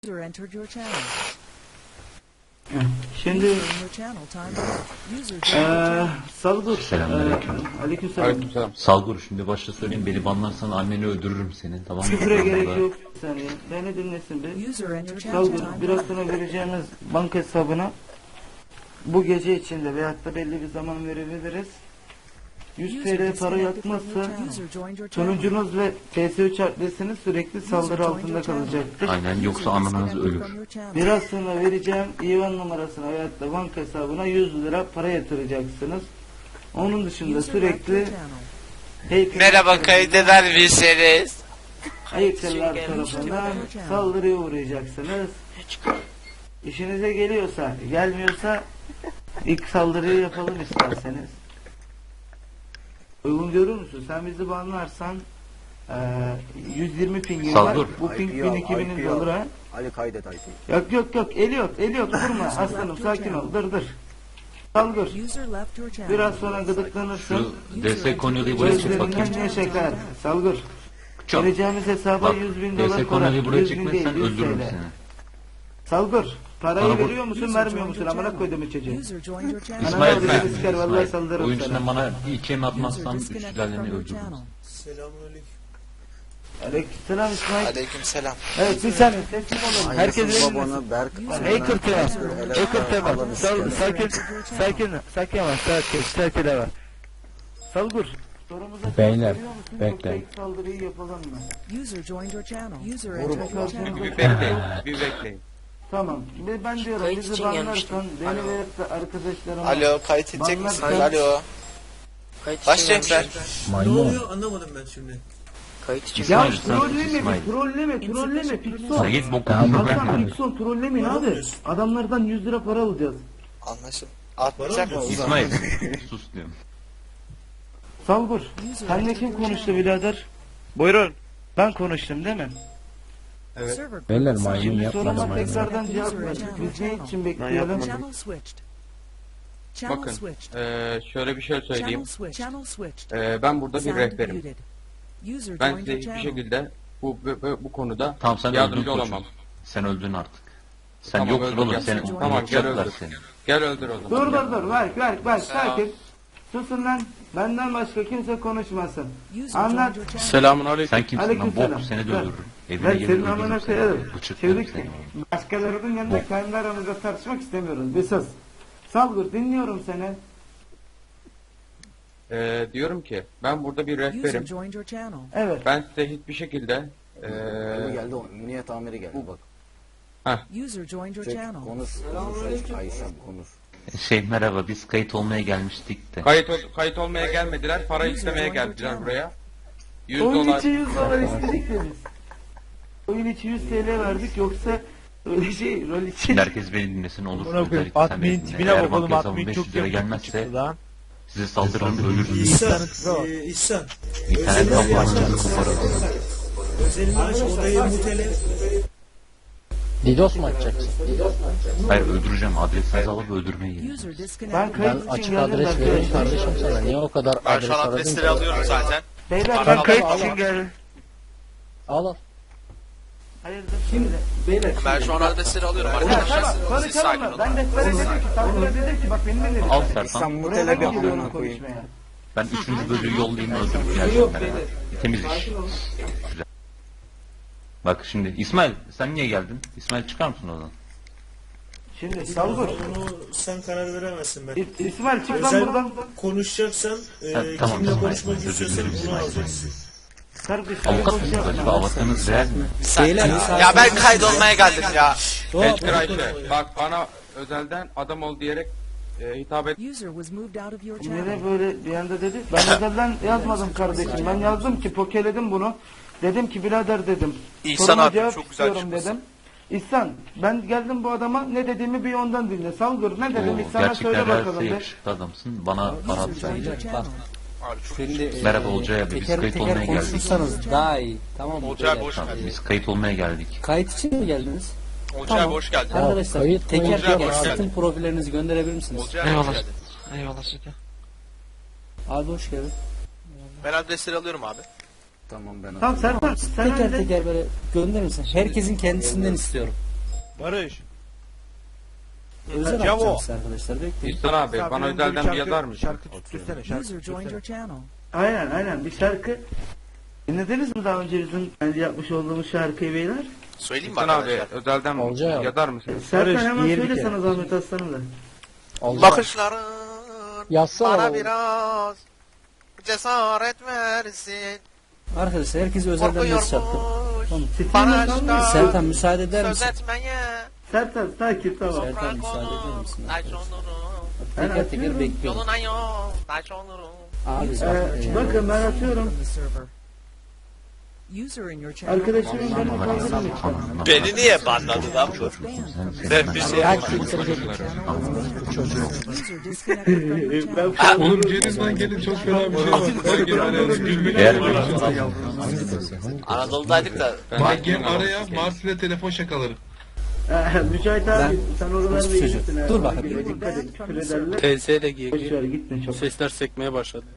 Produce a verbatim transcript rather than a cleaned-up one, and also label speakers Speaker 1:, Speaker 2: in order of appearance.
Speaker 1: User entered your channel.
Speaker 2: Şimdi
Speaker 1: User in your channel timed out. User joined your
Speaker 2: eee
Speaker 1: channel.
Speaker 2: Salgur.
Speaker 3: Selamünaleyküm.
Speaker 2: Eee, Aleykümselam.
Speaker 4: Aleykümselam.
Speaker 3: Salgur, şimdi başta söyleyeyim, beni banlarsan anneni öldürürüm senin, tamam mı?
Speaker 2: Küfüre gerek
Speaker 3: Vallahi.
Speaker 2: yok. Bir saniye. Beni dinlesin bir.
Speaker 1: User entered your
Speaker 2: Salgur.
Speaker 1: channel
Speaker 2: Biraz
Speaker 1: timed
Speaker 2: sonra
Speaker 1: out.
Speaker 2: vereceğimiz banka hesabına bu gece içinde veyahut da belli bir zaman verebiliriz. yüz
Speaker 1: User
Speaker 2: T L para
Speaker 1: disconnected from your
Speaker 2: yatmazsa
Speaker 1: channel. User joined your channel.
Speaker 2: sonucunuz ve T S üç adresiniz sürekli saldırı altında kalacaktır.
Speaker 3: Aynen, yoksa
Speaker 1: User
Speaker 3: ananız
Speaker 1: disconnected
Speaker 3: ölür.
Speaker 1: from your channel.
Speaker 2: Biraz sonra vereceğim İvan numarasına veyahut da banka hesabına yüz lira para yatıracaksınız. Onun dışında
Speaker 1: User left your
Speaker 2: sürekli
Speaker 1: channel.
Speaker 2: heykel-
Speaker 5: Merhaba, kaydeder misiniz?
Speaker 2: heykeller tarafından saldırıya uğrayacaksınız. İşinize geliyorsa, gelmiyorsa ilk saldırıyı yapalım isterseniz. Uygun görür müsün? Sen bizi banlarsan eee yüz yirmi pingin var.
Speaker 3: Saldır.
Speaker 2: Bu ping
Speaker 6: I P al,
Speaker 2: bin iki binin
Speaker 6: I P al.
Speaker 2: olur ha.
Speaker 6: Ali kaydet I P.
Speaker 2: Yok yok yok. Eliot, Eliot durma aslanım, sakin ol. Dur dur. Saldır.
Speaker 1: User left your channel.
Speaker 2: Biraz sonra gıdıklanırsın.
Speaker 3: Şu D S Konya'yı buraya çek bakayım.
Speaker 2: Gözlerinden ne şeker. Salgır.
Speaker 3: Çok.
Speaker 2: Vereceğimiz hesaba
Speaker 3: Bak,
Speaker 2: yüz bin
Speaker 3: D
Speaker 2: dolar
Speaker 3: S
Speaker 2: para.
Speaker 3: Konya'yı buraya
Speaker 2: yüz bin değil,
Speaker 3: çekmezsen
Speaker 2: yüz
Speaker 3: öldürürüm
Speaker 2: T L.
Speaker 3: seni.
Speaker 2: Salgır. Parayı
Speaker 3: Bana bu-
Speaker 2: veriyor musun,
Speaker 1: User
Speaker 2: vermiyor
Speaker 1: joined
Speaker 2: musun?
Speaker 1: your
Speaker 2: Amına
Speaker 1: channel.
Speaker 2: koyduğum çocuğu.
Speaker 1: User joined your channel.
Speaker 3: İsmail,
Speaker 2: Ananı
Speaker 3: ben,
Speaker 2: avradını siker, vallahi
Speaker 3: İsmail,
Speaker 2: saldırırım
Speaker 3: oyun
Speaker 2: sana.
Speaker 3: içinde bana ikiye mi
Speaker 1: User
Speaker 3: atmazsan üç
Speaker 1: disconnected
Speaker 3: sülaleni
Speaker 1: from your
Speaker 3: öldürürüm.
Speaker 1: channel.
Speaker 2: Aleykümselam İsmail.
Speaker 5: Aleykümselam.
Speaker 2: Evet bir saniye teslim olun. Herkes
Speaker 6: Anasını,
Speaker 2: elinmesin.
Speaker 6: babanı, Berk,
Speaker 2: Hacker tema.
Speaker 6: Helal
Speaker 2: Hacker tema.
Speaker 6: Allah'ını
Speaker 2: Sal,
Speaker 6: sikerim.
Speaker 2: sakin, sakin, sakin ama sakin, sakin ama. Salgur. Sorumuza
Speaker 7: Beyler,
Speaker 2: cevap veriyor musun?
Speaker 7: bekleyin.
Speaker 2: Yoksa ilk saldırıyı yapalım mı?
Speaker 1: User joined your channel. User
Speaker 2: Vurma.
Speaker 1: entered your channel.
Speaker 4: Bir bekleyin, bir bekleyin.
Speaker 2: Tamam. Ben ben diyorum
Speaker 5: Kayıt
Speaker 2: bizi
Speaker 5: için
Speaker 2: banlarsan
Speaker 5: gelmiştim.
Speaker 2: beni
Speaker 5: Alo.
Speaker 2: ve arkadaşlarımı.
Speaker 5: Alo, kayıt edecek
Speaker 2: Banlar-
Speaker 5: misiniz? Alo. Başlayacaklar.
Speaker 7: Ne oluyor?
Speaker 5: Kayıt için
Speaker 2: Ya
Speaker 3: İsmail, sen sus,
Speaker 2: trolleme,
Speaker 3: İsmail.
Speaker 2: trolleme, trolleme, Pixon.
Speaker 3: Sen git bokunu
Speaker 7: Tamam,
Speaker 3: bırak.
Speaker 2: Hakan Pixon trollemeyin abi. Adamlardan yüz lira para alacağız.
Speaker 5: anlaşıldı. Atmayacak mısın?
Speaker 3: İsmail, sus diyorum.
Speaker 2: Salgur. Senle kim konuştu birader? Buyurun. Ben konuştum değil mi?
Speaker 1: Server
Speaker 7: Beyler
Speaker 1: group
Speaker 7: maymun
Speaker 2: Şimdi
Speaker 7: yapmadı
Speaker 2: soruma
Speaker 7: maymun.
Speaker 2: tekrardan cevap ver. Biz ne için bekleyelim?
Speaker 1: Channel switched. Channel
Speaker 4: Bakın,
Speaker 1: switched.
Speaker 4: eee, şöyle bir şey söyleyeyim.
Speaker 1: Channel switched. Channel switched.
Speaker 4: Eee, ben burada bir
Speaker 1: Sound
Speaker 4: rehberim.
Speaker 1: muted. User
Speaker 4: Ben
Speaker 1: joined
Speaker 4: size
Speaker 1: your
Speaker 4: hiçbir
Speaker 1: channel.
Speaker 4: şekilde bu, bu, bu konuda
Speaker 3: Tamam, sen öldün
Speaker 4: yardımcı
Speaker 3: koçum.
Speaker 4: olamam.
Speaker 3: Sen öldün artık. Sen
Speaker 4: Tamam,
Speaker 3: yoksun
Speaker 4: öldüm.
Speaker 3: oğlum,
Speaker 4: Gel.
Speaker 3: seni
Speaker 4: Tamam, gel
Speaker 3: unutacaklar
Speaker 4: öldür.
Speaker 3: seni.
Speaker 4: Gel öldür o zaman.
Speaker 2: Dur
Speaker 4: Gel.
Speaker 2: dur dur. Ver ver ver.
Speaker 5: Selam.
Speaker 2: Sakin. Susun lan. Benden başka kimse konuşmasın.
Speaker 1: User
Speaker 2: Anlat.
Speaker 1: joined your channel.
Speaker 4: Selamun aleyküm.
Speaker 3: Sen kimsin lan?
Speaker 2: Aleykümselam.
Speaker 3: Bok, seni de
Speaker 2: Ver.
Speaker 3: öldürürüm. Evine
Speaker 2: Ben
Speaker 3: gelip
Speaker 2: senin amına
Speaker 3: öldürürüm
Speaker 2: koyarım.
Speaker 3: seni. Bıçaklarım
Speaker 2: Çevik.
Speaker 3: seni.
Speaker 2: Başkalarının yanında kendi aramızda tartışmak istemiyoruz. Bir sus. Salgur dinliyorum seni.
Speaker 4: Eee, diyorum ki ben burada bir
Speaker 1: User
Speaker 4: rehberim.
Speaker 1: joined your channel.
Speaker 2: Evet.
Speaker 4: Ben size hiçbir şekilde
Speaker 6: Bu
Speaker 4: eee
Speaker 6: geldi, o emniyet amiri geldi bak.
Speaker 1: User joined your
Speaker 6: Çek,
Speaker 1: channel.
Speaker 6: konuş, konuş Ayşem konuş.
Speaker 3: Şey, merhaba, biz kayıt olmaya gelmiştik de.
Speaker 4: kayıt ol- kayıt olmaya gelmediler, para
Speaker 1: User
Speaker 4: istemeye
Speaker 1: joined your
Speaker 4: geldiler
Speaker 1: channel.
Speaker 4: buraya. yüz
Speaker 2: Oyun
Speaker 4: dolar.
Speaker 2: içi yüz dolar istedik de biz. Oyun içi yüz T L verdik yoksa öyle şey rol için.
Speaker 3: Şimdi herkes beni dinlesin, olur.
Speaker 8: Buna koyayım.
Speaker 3: Özellikle sen beni
Speaker 8: Admin
Speaker 3: dinle.
Speaker 8: tipine
Speaker 3: Eğer
Speaker 8: bakalım,
Speaker 3: banka hesabım
Speaker 8: admin
Speaker 3: beş
Speaker 8: çok
Speaker 3: yüz lira
Speaker 8: yakın
Speaker 3: gelmezse
Speaker 8: çıktı lan.
Speaker 3: size saldırırım, ölürsünüz.
Speaker 8: İhsan, e, İhsan.
Speaker 3: İnternetten bakacağını koparırım.
Speaker 8: Özellikle odayı mutele.
Speaker 7: Didos mu açacaksın?
Speaker 3: Hayır, öldüreceğim. Adresinizi alıp öldürmeye gelin.
Speaker 1: User
Speaker 2: Ben
Speaker 1: disconnected.
Speaker 2: kayıt
Speaker 7: Ben
Speaker 2: için
Speaker 7: açık
Speaker 2: geldim
Speaker 7: adres vereyim
Speaker 2: arkadaşlar.
Speaker 7: kardeşim sana. Niye o kadar
Speaker 5: Ben
Speaker 7: adres
Speaker 5: şu an
Speaker 7: aradın
Speaker 5: adresleri
Speaker 7: ki?
Speaker 5: alıyorum zaten.
Speaker 2: Beyler
Speaker 5: Bana
Speaker 2: ben
Speaker 5: al,
Speaker 2: kayıt
Speaker 5: al,
Speaker 2: için
Speaker 5: al.
Speaker 2: geldim.
Speaker 7: Al al.
Speaker 2: Hayırdır şimdi? Beyler.
Speaker 5: Ben şu an adresleri alıyorum
Speaker 2: Ya
Speaker 5: arkadaşlar.
Speaker 2: tamam
Speaker 5: Siz sakin
Speaker 2: konuşalım mı?
Speaker 5: olun.
Speaker 2: Ben rehbere dedim ki Salgur'a dedim ki bak benim ne dedim.
Speaker 3: Al
Speaker 6: İhsan
Speaker 3: Sertan.
Speaker 2: Buraya ben
Speaker 6: mutele bir
Speaker 2: gidiyorum
Speaker 6: amına koyayım.
Speaker 2: konuşmaya.
Speaker 3: Ben üçüncü bölüğü yollayayım, öldürüp geleceğim ben. hemen. Temiz iş. Güzel. Bak şimdi İsmail, sen niye geldin? İsmail, çıkar mısın oradan?
Speaker 2: Şimdi Salgur.
Speaker 8: Bunu sen karar veremezsin ben.
Speaker 2: İ- İsmail çık lan
Speaker 8: Özel
Speaker 2: buradan.
Speaker 8: konuşacaksan, e,
Speaker 3: Ha, tamam,
Speaker 8: kimle
Speaker 3: tamam.
Speaker 8: konuşmak
Speaker 3: Özür
Speaker 8: istiyorsan
Speaker 3: dilerim
Speaker 8: bunu
Speaker 3: İsmail.
Speaker 8: alacaksın.
Speaker 2: Kardeşim
Speaker 3: Avukat
Speaker 2: boş
Speaker 3: mısınız
Speaker 2: yapma.
Speaker 3: acaba? Avukatınız real mi?
Speaker 5: Ya ben kaydolmaya geldim ya.
Speaker 4: Elçin Ayşe, bak bana özelden adam ol diyerek e, hitap et.
Speaker 1: User was moved out of your channel.
Speaker 2: Nereye böyle bir anda dedi? Ben özelden yazmadım kardeşim. Ben yazdım ki pokeledim bunu. Dedim ki birader dedim.
Speaker 5: İhsan
Speaker 2: soruma
Speaker 5: abi,
Speaker 2: cevap
Speaker 5: çok güzel
Speaker 2: istiyorum
Speaker 5: çıkmışsın.
Speaker 2: dedim. İhsan ben geldim bu adama ne dediğimi bir ondan dinle. Salgur ne dedim
Speaker 3: Oo,
Speaker 2: İhsan'a söyle
Speaker 3: gerçekten
Speaker 2: bakalım
Speaker 3: realse
Speaker 2: de.
Speaker 3: yakışıklı adamsın. Bana para
Speaker 1: User joined your
Speaker 3: atsaydın.
Speaker 1: channel.
Speaker 9: Şimdi
Speaker 3: Merhaba Olcay abi, biz
Speaker 9: teker
Speaker 3: kayıt
Speaker 9: teker
Speaker 3: olmaya geldik.
Speaker 9: konuşursanız daha iyi. Tamam mı?
Speaker 5: Olcay abi
Speaker 9: Beyler?
Speaker 5: hoş
Speaker 3: Tamam,
Speaker 5: geldin.
Speaker 3: biz kayıt olmaya geldik.
Speaker 9: Kayıt için mi geldiniz?
Speaker 5: Olcay abi hoş geldin.
Speaker 9: Arkadaşlar
Speaker 7: kayıt
Speaker 9: teker
Speaker 7: olacak,
Speaker 9: teker
Speaker 5: hoş
Speaker 9: satın
Speaker 5: geldin.
Speaker 9: profillerinizi gönderebilir misiniz?
Speaker 5: Olcay abi hoş geldin.
Speaker 9: Abi hoş geldin.
Speaker 5: Ben adresleri alıyorum abi.
Speaker 6: Tamam ben
Speaker 2: Tamam Serkan sen
Speaker 9: Teker
Speaker 2: öyle.
Speaker 9: teker böyle gönderir misin? Herkesin kendisinden istiyorum. Özel
Speaker 4: Cavo.
Speaker 9: atacağım size arkadaşlar. Bekleyin.
Speaker 4: İhsan abi bana özelden bir yazar mısın?
Speaker 1: User joined your channel.
Speaker 2: Aynen aynen bir şarkı. Dinlediniz mi daha önce bizim kendi yapmış olduğumuz şarkıyı beyler?
Speaker 5: Söyleyeyim mi
Speaker 4: İhsan abi
Speaker 5: arkadaşlar?
Speaker 4: özelden
Speaker 7: Olacak.
Speaker 4: yazar mısın?
Speaker 2: Serkan hemen söyle sana zahmet aslanım da.
Speaker 7: Olacak.
Speaker 5: Bakışların
Speaker 7: Yazsana
Speaker 5: bana
Speaker 7: oğlum.
Speaker 5: biraz cesaret versin.
Speaker 9: Arkadaşlar herkes özelden mesaj attı.
Speaker 5: Korkuyormuş
Speaker 2: Titriğine kalmıyor.
Speaker 5: bana
Speaker 9: Sertan müsaade eder
Speaker 5: söz
Speaker 9: misin?
Speaker 5: etmeye.
Speaker 2: Sertan sakin tamam.
Speaker 9: Sertan müsaade eder misin?
Speaker 5: Taş olurum.
Speaker 9: Teker teker bekliyorum.
Speaker 5: Yoluna yol. Taş olurum.
Speaker 9: Abi
Speaker 2: Ee, bakın ben atıyorum.
Speaker 1: From the server. User in your channel.
Speaker 2: Arkadaşımın beni kaldırın lütfen.
Speaker 5: Beni niye banladın lan bu? Ben bir şey yapmadım.
Speaker 1: User disconnected from your channel.
Speaker 2: Ben
Speaker 10: Oğlum gelin lan gelin çok fena bir şey var. Hadi gel araya. Gülmek
Speaker 3: Eğer
Speaker 5: Anadolu'daydık da.
Speaker 10: Bak gel araya Mars ile telefon şakaları.
Speaker 2: Ee, Mücahit abi sen oralarda
Speaker 9: Çocuğum.
Speaker 2: iyisin. ha.
Speaker 9: Dur bakayım.
Speaker 2: Dikkat et küfür ederler.
Speaker 9: T S ile
Speaker 2: Boş ver gitme çok.
Speaker 9: sesler sekmeye başladı.